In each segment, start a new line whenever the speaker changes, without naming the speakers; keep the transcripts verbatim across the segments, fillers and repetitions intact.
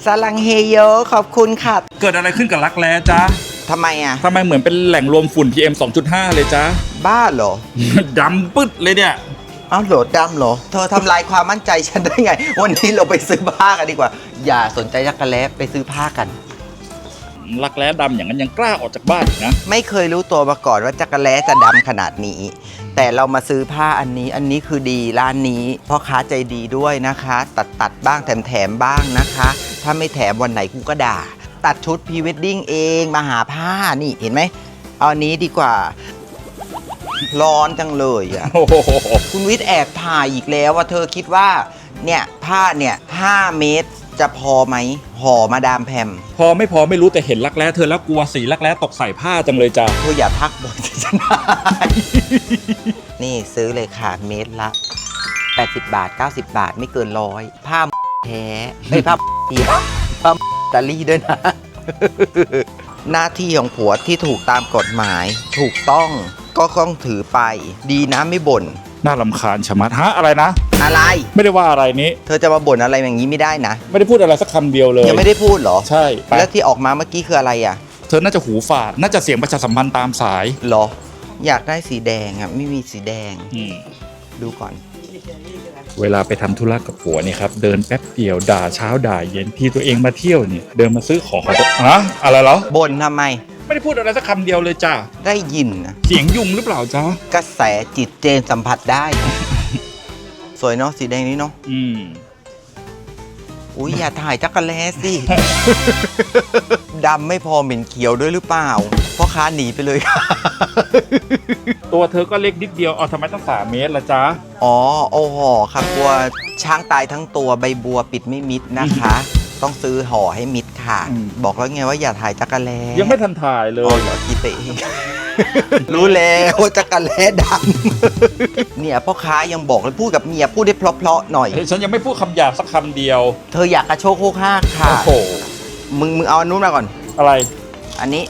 ซาลังเฮโยขอบคุณค่ะ
เกิดอะไรขึ้นกับรักแร้จ๊ะ
ทำไมอ่ะ
ทำไมเหมือนเป็นแหล่งรวมฝุ่น พี เอ็ม สองจุดห้า เลยจ๊ะ
บ้าเหรอ
ดำปึ๊ดเลยเนี่ย
อ้าวโหลดดำเหรอเธอทำลายความมั่นใจฉันได้ไงวันนี้เราไปซื้อผ้ากันดีกว่าอย่าสนใจจักรแล้ไปซื้อผ้ากัน
รักแร้ดำอย่างนั้นยังกล้าออกจากบ้านนะ
ไม่เคยรู้ตัวมาก่อนว่าจักรแล้จะดำขนาดนี้แต่เรามาซื้อผ้าอันนี้อันนี้คือดีร้านนี้พ่อค้าใจดีด้วยนะคะตัดตัดบ้างแถมแถมบ้างนะคะถ้าไม่แถมวันไหนกูก็ด่าตัดชุดพรีเวดดิ้งเองมาหาผ้านี่เห็นไหมเอาอันนี้ดีกว่าร้อนจังเลยอ่ะคุณวิทย์แอบถ่ายอีกแล้วว่าเธอคิดว่าเนี่ยผ้าเนี่ยห้าเมตรจะพอไหมห่อมาดามแพม
พอไม่พอไม่รู้แต่เห็นรักแร้เธอแล้วกลัวสีรักแร้ตกใส่ผ้าจังเลยจ้ะ
เธออย่าทักบ่อยจะชนะนี่ซื้อเลยค่ะเมตรละแปดสิบบาทเก้าสิบบาทไม่เกินร้อยผ้าแท้ไม่ผ้าเทียผ้าตาลี่ด้วยนะหน้าที่ของผัวที่ถูกตามกฎหมายถูกต้องก็ต้องถือไปดีนะไม่บ่น
น่ารำคาญชะมัดฮะอะไรนะ
อะไร
ไม่ได้ว่าอะไรนี้
เธอจะมาบ่นอะไรอย่างนี้ไม่ได้นะ
ไม่ได้พูดอะไรสักคำเดียวเลย
ยังไม่ได้พูดเหรอ
ใช่
แล้วที่ออกมาเมื่อกี้คืออะไรอ่ะ
เธอน่าจะหูฝาดน่าจะเสียงประชาสัมพันธ์ตามสาย
เหรออยากได้สีแดงอ่ะไม่มีสีแดงดูก่อน
เวลาไปทำธุระกับผัวเนี่ยครับเดินแป๊บเดียวด่าเช้าด่าเย็นที่ตัวเองมาเที่ยวเนี่ยเดินมาซื้อของฮะอะไรเหรอ
บ่นทำไม
ไม่ได้พูดอะไรสักคำเดียวเลยจ้า
ได้ยินนะ
เสียงยุงหรือเปล่าจ้าก
ระแสจิตเจนสัมผัสได้ สวยเนาะสีแดงนี้เนาะ
อืม
อุ้ยอย่าถ่ายจักรแล้สิ ดำไม่พอเหม็นเขียวด้วยหรือเปล่าพ่อค้าหนีไปเลย
ตัวเธอก็เล็กนิดเดียวเอาทำไมต้องสามเมตรล่ะจ๊ะ
อ๋อโอ้ห่อครับกลัวช้างตายทั้งตัวใบบัวปิดไม่มิดนะคะต้องซื้อห่อให้มิดค่ะบอกแล้วไงว่าอย่าถ่ายจักรแล้
ยังไม่ทันถ่ายเลย
เหรอกีเตะ รู้แล้วว่าจักรแล้ดำเนี่ยพ่อค้ายังบอกเลยพูดกับเมียพูดได้เพลาะๆหน่อย
ฉันยังไม่พูดคำหยาบสักคำเดียว
เธออยากกระโชกโคกห้าค่ะ
โอ้โห
มึงมึงเอาอันนู้นมาก่อน
อะไร
อันนี้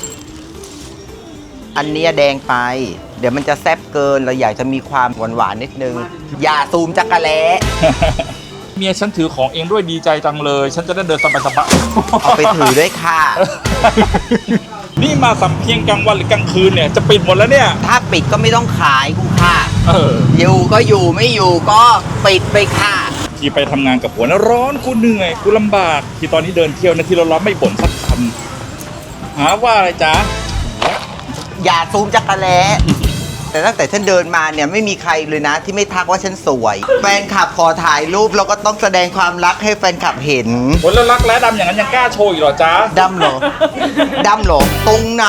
อันนี้แดงไปเดี๋ยวมันจะแซ่บเกินเราอยากจะมีความหวานหวานนิดนึงอย่าซูมจักรแล้
เมียฉันถือของเองด้วยดีใจจังเลยฉันจะได้เดินสบายสบาย
เอาไปถือด้วยค่ะ
นี่มาสำเพ็งกลางวันหรือกลางคืนเนี่ยจะปิดหมดแล้วเนี่ย
ถ้าปิดก็ไม่ต้องขายกูค่ะ
เออ
อยู่ก็อยู่ไม่อยู่ก็ปิดไปค่ะ
ที่ไปทำงานกับผัวนะร้อนกูเหนื่อยกูลำบากที่ตอนนี้เดินเที่ยวนะที่เราล้อไม่บ่นสักคำหาว่าอะไรจ๊ะ
อย่าซูมจักรแล้แต่ตั้งแต่ฉันเดินมาเนี่ยไม่มีใครเลยนะที่ไม่ทักว่าฉันสวยแฟนคลับขอถ่ายรูปเราก็ต้องแสดงความรักให้แฟนคลับเห็น
คนละรักและดำอย่างนั้นยังกล้าโชว์อีกเหรอจ๊ะ
ดำเหรอดำเหรอตรงไหน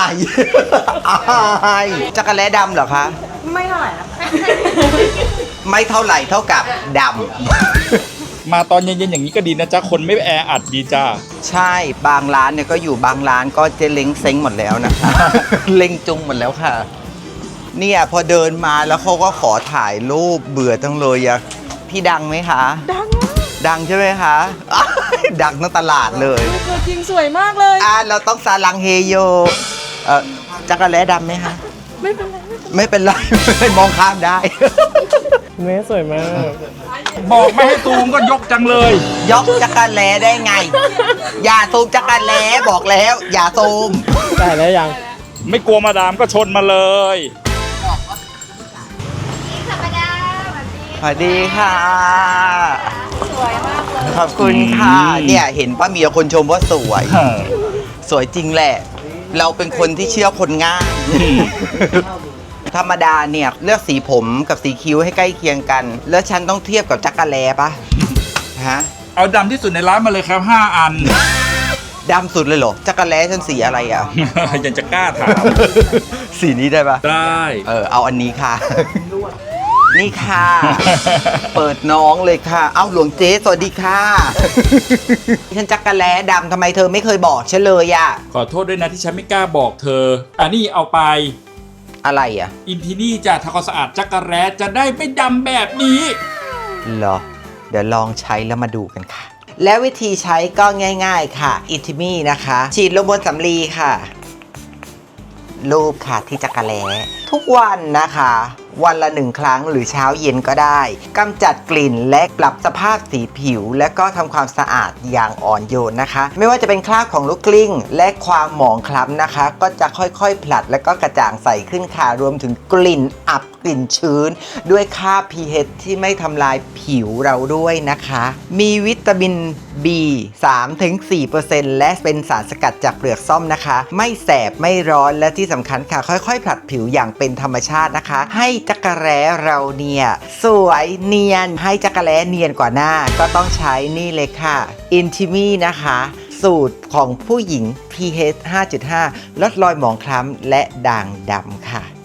จักรแล้ดำเหรอคะ
ไม่เท่าไหร่นะ
ไม่เท่าไหร่เท่ากับดำ
มาตอนเย็นๆอย่างนี้ก็ดีนะจ๊ะคนไม่แออัดดีจ้า
ใช่บางร้านเนี่ยก็อยู่บางร้านก็เจเล้งเซ้งหมดแล้วนะคะเล้งจุงหมดแล้วค่ะเนี่ยพอเดินมาแล้วเขาก็ขอถ่ายรูปเบื่อจังเลยอะพี่ดังไหมคะ
ดัง
ดังใช่ไหมคะดังทั้งตลาดเลย
ตัวจริงสวยมากเลย
อ่ะเราต้องซาลังเฮโยเออจักรแล้ดำไหมคะ
ไม่เป็นไร
ไม่เป็นไรมองข้ามได้
แม่สวยมาก
บอกไม่ให้ซูมก็ยกจังเลย
ยกจักรแล้ได้ไงอย่าซูมจักรแล้บอกแล้วอย่าซูม
ได้แล้วยัง
ไม่กลัวมาดามก็ชนมาเลย
สวัสดีค่ะ
สวยมากเลย
ขอบคุณค่ะเนี่ยเห็นป้ามีคนชมว่าสวยสวยจริงแหละเราเป็นคนที่เชื่อคนง่ายธรรมดาเนี่ยเลือกสีผมกับสีคิ้วให้ใกล้เคียงกันแล้วฉันต้องเทียบกับจักรแล้ปะฮะ
เอาดำที่สุดในร้านมาเลยครับห้าอัน
ดำสุดเลยเหรอจักรแล้ฉันสีอะไรอ่ะ
ยังจะกล้าถาม
สีนี้ได้ปะ
ได้
เออเอาอันนี้ค่ะนี่ค่ะเปิดน้องเลยค่ะเอ้าหลวงเจ๊สวัสดีค่ะฉันจักรแล้ดำทำไมเธอไม่เคยบอกฉันเลยอ่ะ
ขอโทษด้วยนะที่ฉันไม่กล้าบอกเธออันนี้เอาไป
อะไรอ่ะ
อินทินี่จะทำความสะอาดจักรแล้จะได้ไม่ดำแบบนี้
เหรอเดี๋ยวลองใช้แล้วมาดูกันค่ะแล้ววิธีใช้ก็ง่ายๆค่ะอินทิมี่นะคะฉีดลงบนสำลีค่ะรูปค่ะที่จักรแล้ทุกวันนะคะ วันละหนึ่งครั้งหรือเช้าเย็นก็ได้กำจัดกลิ่นและปรับสภาพสีผิว และก็ทำความสะอาดอย่างอ่อนโยนนะคะ ไม่ว่าจะเป็นคราบของลูกกลิ้งและความหมองคล้ำนะคะ ก็จะค่อยๆผลัดและก็กระจ่างใสขึ้นค่ะรวมถึงกลิ่นอับกลิ่นชื้น ด้วยค่า พี เอช ที่ไม่ทำลายผิวเราด้วยนะคะ มีวิตามิน บี สามถึงสี่เปอร์เซ็นต์ และเป็นสารสกัดจากเปลือกส้มนะคะ ไม่แสบไม่ร้อนและที่สำคัญค่ะค่อยๆผลัดผิวอย่างเป็นธรรมชาตินะคะ ให้จักรแร้เราเนี่ยสวยเนียนให้จักรแร้เนียนกว่าหน้าก็ต้องใช้นี่เลยค่ะ Intimi นะคะ สูตรของผู้หญิง พี เอช ห้าจุดห้า ลดรอยหมองคล้ำและด่างดำค่ะ